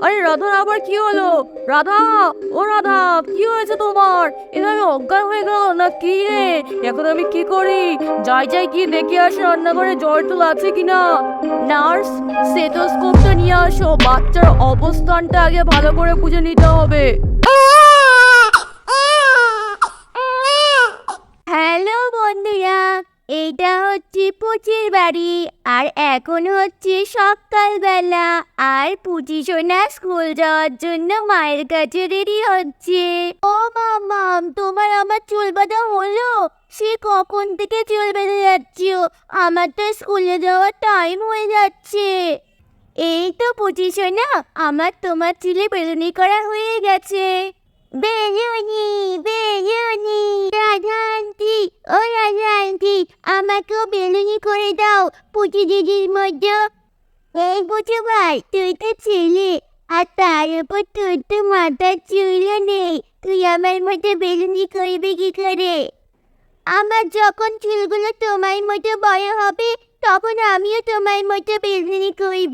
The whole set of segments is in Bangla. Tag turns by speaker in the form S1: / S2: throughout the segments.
S1: আরে রাধার আবার কি হলো? রাধা, ও রাধা, কি হয়েছে তোমার? এটা আমি অজ্ঞান হয়ে গেল না কি রে? এখন আমি কি করি? যাই যাই কি দেখে আসি রান্নাঘরে জ্বর টল আছে কিনা। নার্স, স্টেথোস্কোপটা নিয়ে আসো, বাচ্চার অবস্থানটা আগে ভালো করে বুঝে নিতে হবে।
S2: হ্যালো বন্ধুরা, এইটা হচ্ছে পুচির বাড়ি। আর এখন হচ্ছে সকালবেলা, আর পুচি সোনা স্কুল যাওয়ার জন্য মায়ের কাছে রেডি হচ্ছে। ও মামাম, তোমার আমার চুল বাঁধা হলো? সে কখন থেকে চুল বেঁধে যাচ্ছ? আমার তো স্কুলে যাওয়ার টাইম হয়ে যাচ্ছে। এই তো পুচি সোনা, আমার তোমার চুলে বেলুনি করা হয়ে গেছে। বেলুনি, বেলুনি, রাধা আন্টি, ও রাধা আন্টি, আমাকেও বেলুনি করে দাও পুচি দিদির মতো। এই পুচু ভাই, তুই তো ছেলে, আর তার উপর তোর তো মাথার চুলও নেই, তুই আমার মতো বেলুনি করবি কি করে? আমার যখন চুলগুলো তোমার মতো বড় হবে, তখন আমিও তোমার মতো বেলুনি করব।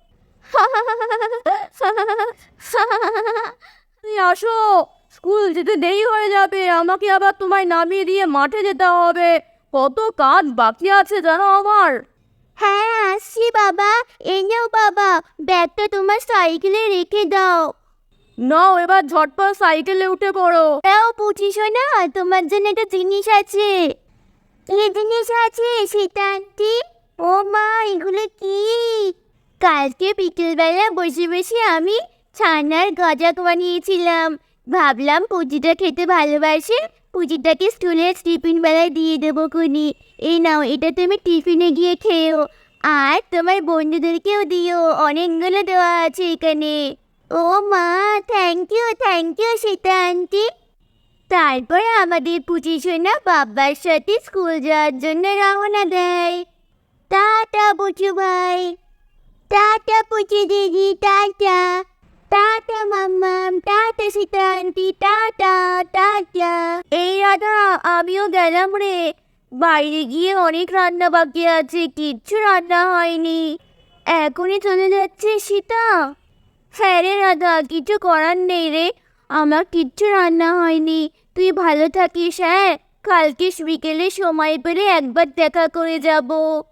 S1: তুমি আসো, স্কুল যেতে দেরি হয়ে যাবে, আমাকে আবার তোমায় নামিয়ে দিয়ে মাঠে যেতে হবে। কত কাজ বাকি আছে জানো আমার।
S2: হ্যাঁ আসছি বাবা, এই নাও বাবা, ব্যাগটা তোমার সাইকেলে রেখে দাও।
S1: নাও এবার ঝটপট সাইকেলে উঠে পড়ো।
S2: তাও বুঝিস না, তোমার জন্য একটা জিনিস আছে। কি জিনিস আছে সেটা আন্টি? ও মা, এগুলো কি? কালকে বিকেলবেলা বসে বসে আমি ছানার গজা বানিয়েছিলাম। ভাবলাম পুজিটা খেতে ভালোবাসে, পুজিটাকে স্কুলের টিফিন বেলায় দিয়ে দেবো খুনি। এই নাও, এটা তুমি টিফিনে গিয়ে খেও, আর তোমার বন্ধুদেরকেও দিও, অনেকগুলো দেওয়া আছে এখানে। ও মা, থ্যাংক ইউ সীতা আন্টি। তারপরে আমাদের পুচি সোনা বাবার সাথে স্কুল যাওয়ার জন্য রওনা দেয়। টাটা পুচু ভাই, টাটা পুচি দিদি, টাটা টাটা মাম্মাম, tata Sita aunty, tata tata. এই রাধা, আমিও গেলাম রে। বাইরে গিয়ে অনেক রান্না বাকি আছে, কিচ্ছু রান্না হয়নি। এখনই চলে যাচ্ছে সীতা? হ্যাঁ রে রাধা, কিছু করার নেই রে, আমার কিচ্ছু রান্না হয়নি। তুই ভালো থাকিস, হ্যাঁ? কালকে বিকেলে সময় পেলে একবার দেখা করে যাব।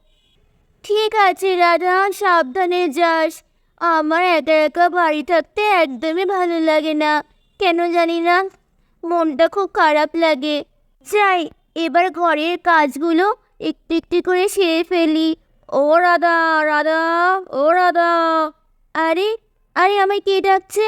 S2: ঠিক আছে রাধা, সাবধানে যাস। আমার একা একা বাড়ি থাকতে একদমই ভালো লাগে না, কেন জানি না, মনটা খুব খারাপ লাগে। যাই, এবার ঘরের কাজগুলো একটু একটু করে সেরে ফেলি।
S1: ও রাধা, রাধা, ও রাধা।
S2: আরে আরে, আমায় কে ডাকছে?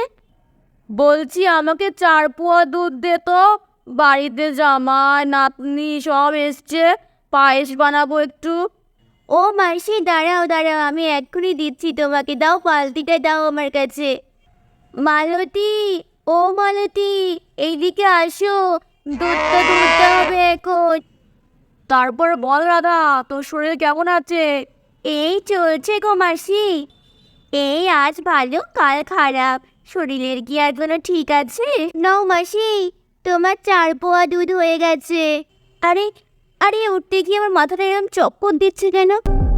S1: বলছি আমাকে 4 পোয়া দুধ দে তো। বাড়িতে জামাই নাতনি সব এসছে, পায়েস বানাবো একটু।
S2: ও মাসি, দাঁড়াও দাঁড়াও, আমি এক্ষুনি দিচ্ছি তোমাকে, দাও বালতিটা দাও আমার কাছে। মালতী, ও মালতী, এইদিকে আসো, দুধটা দুধতে হবে এখন।
S1: তারপর বল রাধা, তোর শরীর কেমন আছে?
S2: এই চলছে গো মাসি, এই আজ ভালো কাল খারাপ, শরীরের কি আর কোনো ঠিক আছে? নাও মাসি, তোমার 4 পোয়া দুধ হয়ে গেছে। আরে আরে, উঠতে গিয়ে আমার মাথাটা এরকম চক্কর দিচ্ছে কেন?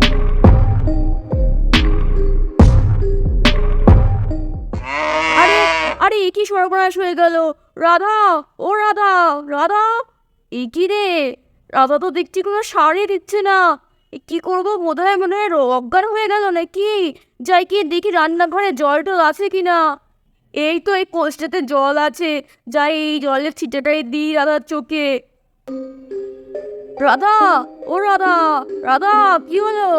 S1: আরে আরে, এ কি সর্বনাশ হয়ে গেল! রাধা, ও রাধা, রাধা, এ কি রে? রাধা তো দেখছি কোনো সাড়ই দিচ্ছে না। কি করবো, মনে হয় অজ্ঞান হয়ে গেল নাকি। যাই কি দেখি রান্নাঘরে জল টল আছে কিনা। এই তো এই কোষ্ঠেতে জল আছে, যাই এই জলের ছিটাটাই দিই রাধার চোখে। রাধা, ও রাধা, রাধা, কি হলো?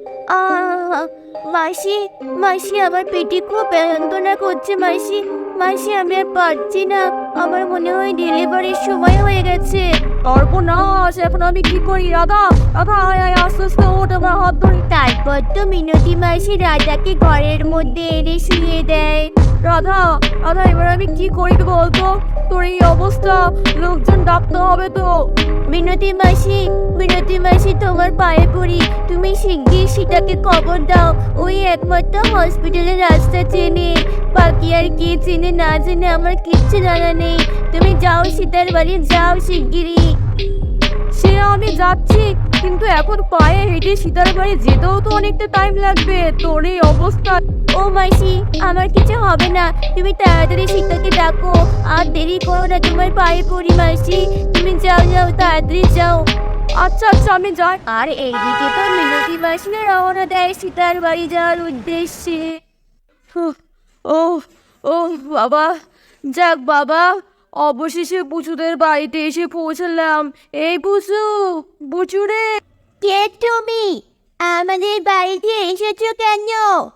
S2: মাসি, মাসি, আমার পেটে খুব যন্ত্রণা করছে মাসি। মাসি, আমি আর পারছি না, আমার মনে হয় ডেলিভারির সময় হয়ে গেছে।
S1: সর্বনাশ, এখন আমি কি করি? রাধা, রাধা, আয় আয়, আস্তে আস্তে ওঠ, আমার হাত ধরে।
S2: তারপর তো মিনতি মাসি রাজাকে ঘরের মধ্যে এনে শুয়ে দেয়।
S1: রাধা, রাধা, এবার আমি কি করি বলতো? তোর এই অবস্থা, লোকজন ডাকতে হবে তো।
S2: মিনতি মাসি, তোমার পায়ে পড়ি, তুমি শিগগির সীতাকে খবর দাও। ওই একমাত্র হসপিটালের রাস্তা চেনে, বাকি আর কে চেনে না চেনে আমার কিচ্ছু জানা নেই। তুমি যাও সীতার বাড়ি, যাও শিগগিরই।
S1: সে আমি যাচ্ছি, কিন্তু এখন পায়ে হেঁটে সীতার বাড়ি যেতেও তো অনেকটা টাইম লাগবে। তোর এই অবস্থা
S2: ও মাসি, আমার কিছু হবে না, তুমি তাড়াতাড়ি সীতাকে ডাকো। আর দেরি করো না, তোমার পায়ে পড়ি মাসি। তুমি যাও যাও, তাড়াতাড়ি যাও।
S1: আচ্ছা আচ্ছা আমি যাই।
S2: আর এইদিকে তো মিনতি মাসিরা রওনা দেয় সীতার বাড়ি যাওয়ার উদ্দেশ্যে।
S1: হুঁ, ও ও বাবা, যাক বাবা, অবশেষে বুচুদের বাড়িতে এসে পৌঁছলাম। এই বুচু, বুচু রে।
S2: কে তুমি? আমাদের বাড়িতে এসেছো কেন?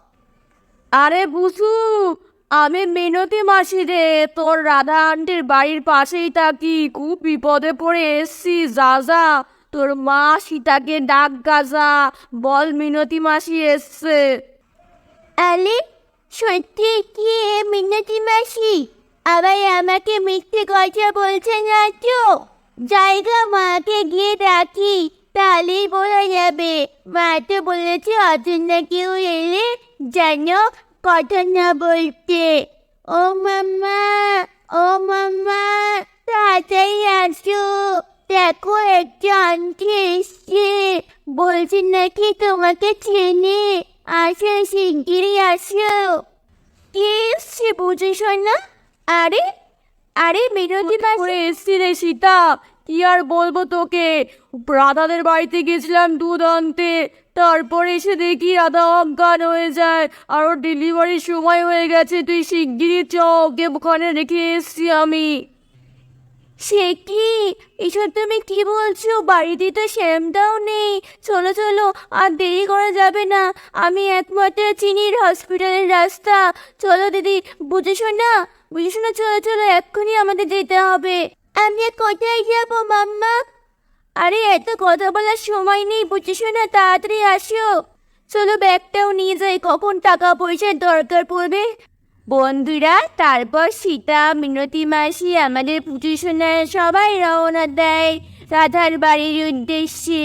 S1: আরে বুচু, আমি মিনতি মাসি রে, তোর রাধা আন্টির বাড়ির পাশেই থাকি। খুব বিপদে পড়ে এসছি, যা যা তোর মা সীতাকে ডাক গাজা, বল মিনতি মাসি এসছে।
S2: আলে, সত্যি কি এ মিনতি মাসি? আবার আমাকে মিথ্যে কথা বলছে না তো? জায়গা, মাকে গিয়ে ডাকি, তাহলেই বোঝা যাবে। মা তো বলেছে অচেনা কেউ এলে জানো কথা না বলতে। ও মাম্মা, ও মাম্মা, তাড়াতাড়ি আসো। দেখো একটা আন্টি এসছে, বলছে নাকি তোমাকে চেনে। আসো, শিগগিরই আসো। কে এসছে বুঝিস না? আরে আরে মিনতি মাসি।
S1: করে এসছি রে সীতা, কি আর বলবো তোকে। রাধাদের বাড়িতে গেছিলাম দুধ আনতে, তারপরে এসে দেখি রাধা অজ্ঞান হয়ে যায়, আর ওর ডেলিভারির সময় হয়ে গেছে। তুই শিগগিরই চ, ওকে ওখানে রেখে এসছি আমি।
S2: সে কি? এসব তুমি কি বলছো? বাড়িতে তো শ্যামটাও নেই। চলো চলো, আর দেরি করা যাবে না। আমি একমাত্র চিনির হসপিটালের রাস্তা। চলো দিদি, বুঝেছো না? বুঝেছো না? চলো চলো, এক্ষুনি আমাদের যেতে হবে। আমি কোথায় যাবো মাম্মা? আরে এত কথা বলার সময় নেই, বুঝেছো না? তাড়াতাড়ি আসো। চলো ব্যাগটাও নিয়ে যাই, কখন টাকা পয়সার দরকার পড়বে। বন্ধুরা, তারপর সীতা, মিনতি মাসি, আমাদের পুজো সোনার সবাই রওনা দেয় রাধার বাড়ির উদ্দেশ্যে।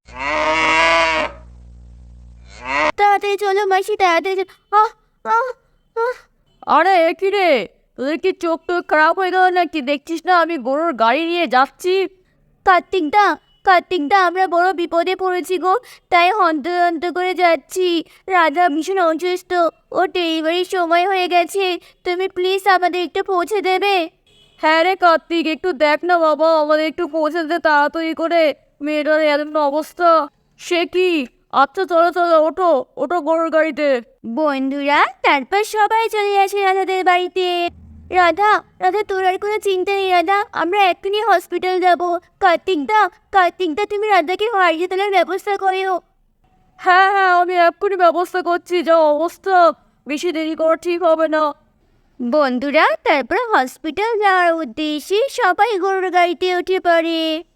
S2: তাড়াতাড়ি চলো মাসি, তাড়াতাড়ি চলো। আহ আহ আহ
S1: আরে এ কি রে, তোদের কি চোখ টোক খারাপ হয়ে গেল নাকি? দেখছিস না আমি গরুর গাড়ি নিয়ে যাচ্ছি।
S2: কার্তিকদা, কার্তিকদা, আমরা বড় বিপদে পড়েছি গো, তাই হন্ত হন্ত করে যাচ্ছি। রাধা ভীষণ অসুস্থ, ও ডেলিভারির সময় হয়ে গেছে। তুমি প্লিজ আমাদের একটু পৌঁছে দেবে?
S1: হ্যাঁ রে কার্তিক, একটু দেখ না বাবা, আমাদের একটু পৌঁছে দে তাড়াতাড়ি করে। মেয়েটার এমন অবস্থা। সে কি? আচ্ছা চলো চলো, ওঠো ওঠো গরুর গাড়িতে।
S2: বন্ধুরা, তারপর সবাই চলে আসে রাধাদের বাড়িতে। রাধা, রাধা, তোর আর কোনো চিন্তা নেই রাধা, আমরা এক্ষুনি হসপিটাল যাবো। কার্তিকদা, কার্তিকদা, তুমি রাধাকে হাসপাতালের ব্যবস্থা করো।
S1: হ্যাঁ হ্যাঁ, আমি এক্ষুনি ব্যবস্থা করছি। যা অবস্থা, বেশি দেরি করা ঠিক হবে না।
S2: বন্ধুরা, তারপর হসপিটাল যাওয়ার উদ্দেশ্যে সবাই গরুর গাড়িতে উঠে পড়ে।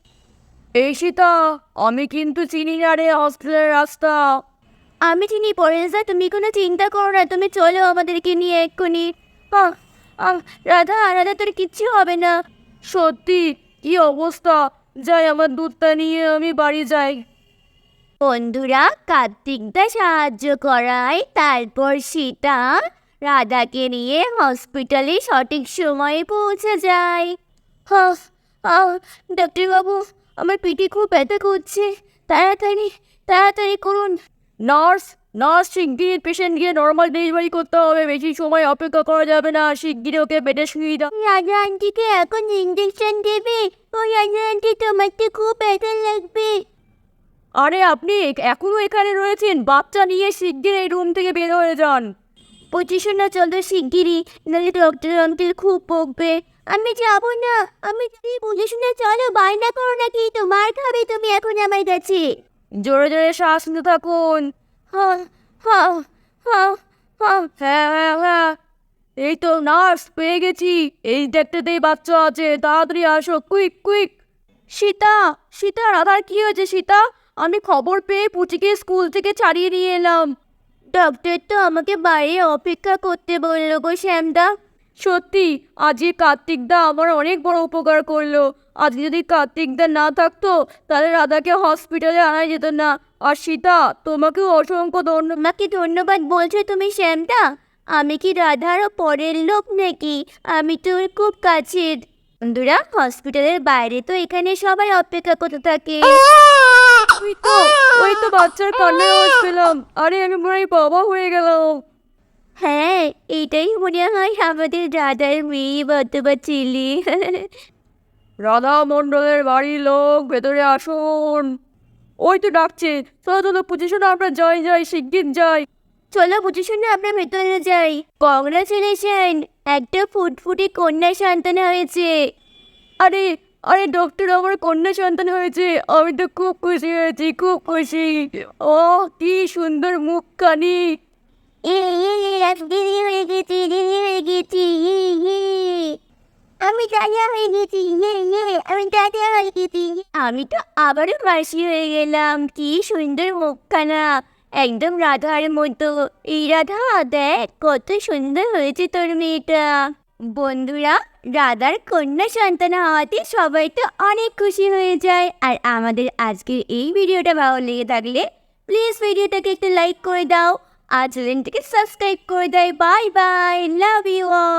S1: এই সীতা, আমি কিন্তু চিনি না রে হসপিটালের রাস্তা।
S2: আমি চিনি পরেশদা, তুমি কোনো চিন্তা করো না, তুমি চলো আমাদেরকে নিয়ে এক্ষুনি। আহ, আহ, রাধা, রাধা, তোর কিচ্ছু হবে না।
S1: সত্যি? কি অবস্থা! যাই, আমার দুধটা নিয়ে আমি বাড়ি যাই।
S2: বন্ধুরা, কার্তিকদা সাহায্য করায় তারপর সীতা রাধাকে নিয়ে হসপিটালে সঠিক সময়ে পৌঁছে যায়। হাহ, আহ, ডাক্তারবাবু, আমার পিঠে খুব ব্যথা করছে, তাড়াতাড়ি তাড়াতাড়ি করুন।
S1: নার্স, নার্স, শিগগির পেশেন্ট গিয়ে নর্মাল ডেলিভারি করতে হবে। বেশি সময় অপেক্ষা করা যাবে না। শিগগির ওকে বেডে শুয়ে দাও।
S2: রাজা আন্টিকে এখন ইঞ্জেকশন দেবে। ও রাজা আন্টি, তোমার তো খুব ব্যথা লাগবে।
S1: আরে আপনি এখনো এখানে রয়েছেন? বাচ্চা নিয়ে শিগগির এই রুম থেকে বের হয়ে যান।
S2: পঁচিশে না, চলো শিগগিরই, নাহলে ডক্টর আঙ্কেল খুব বকবে। আমি যাবো না, আমি যদি বুঝে শুনে চলো, বায়না করো নাকি? তোমার খাবে তুমি এখন আমার কাছে।
S1: জোরে জোরে শ্বাস নিতে থাকুন।
S2: হ্যাঁ হ্যাঁ হ্যাঁ হ্যাঁ।
S1: হ্যাঁ হ্যাঁ হ্যাঁ, এই তো নার্স, পেয়ে গেছি। এই দেখতেতেই বাচ্চা আছে, তাড়াতাড়ি আসো, কুইক কুইক। সীতা, সীতা, রাধার কি হয়েছে সীতা? আমি খবর পেয়ে পুচিকে স্কুল থেকে ছাড়িয়ে নিয়ে এলাম।
S2: ডক্টর তো আমাকে বাইরে অপেক্ষা করতে বললো গো শ্যামদা।
S1: সত্যি, আজকে কার্তিকদা আমার অনেক বড় উপকার করলো। আজ যদি কার্তিকদা না থাকতো, তাহলে রাধাকে হসপিটালে আনা যেত না। আর সীতা, তোমাকেও অসংখ্য ধন্যবাদ।
S2: আমাকে ধন্যবাদ বলছো তুমি শ্যামদা? আমি কি রাধারও পরের লোক নাকি? আমি তোর খুব কাছের। বন্ধুরা, হসপিটালের বাইরে তো এখানে সবাই অপেক্ষা করতে থাকে।
S1: ওই তো, ওই তো বাচ্চার কান্নার আওয়াজ পেলাম। আরে আমি মনে হয় বাবা হয়ে গেলাম।
S2: হ্যাঁ, এটাই মনে হয় আমাদের রাধার মেয়ে অথবা ছেলে।
S1: রাধা মণ্ডলের বাড়ির লোক ভেতরে আসুন। ওই তো ডাকছে, চলো চলো পজিশনে আমরা যাই শিগগির যাই।
S2: চলো বুঝে শুনে আমরা ভেতরে যাই। কংগ্রাচুলেশন, একটা ফুটফুটে কন্যা সন্তান হয়েছে।
S1: আরে আরে ডক্টর, আমার কন্যা সন্তান হয়েছে, আমি তো খুব খুশি হয়েছি, খুব খুশি। ও কি সুন্দর মুখখানি।
S2: দেরি হয়ে গেছি, দেরি হয়ে গেছি। আমি দাদা হয়ে গেছি, আমি দাদা হয়ে গেছি। আমি তো আবারও মাসি হয়ে গেলাম। কি সুন্দর মুখখানা, একদম রাধার মতো। এই রাধা, দেখ কত সুন্দর হয়েছে তোর মেয়েটা। বন্ধুরা, রাধার কন্যা সন্তান হওয়াতে সবাই তো অনেক খুশি হয়ে যায়। আর আমাদের আজকের এই ভিডিওটা ভালো লেগে থাকলে প্লিজ ভিডিওটাকে একটু লাইক করে দাও আর চ্যানেলটিকে সাবস্ক্রাইব করে দাও। Bye bye, love you all.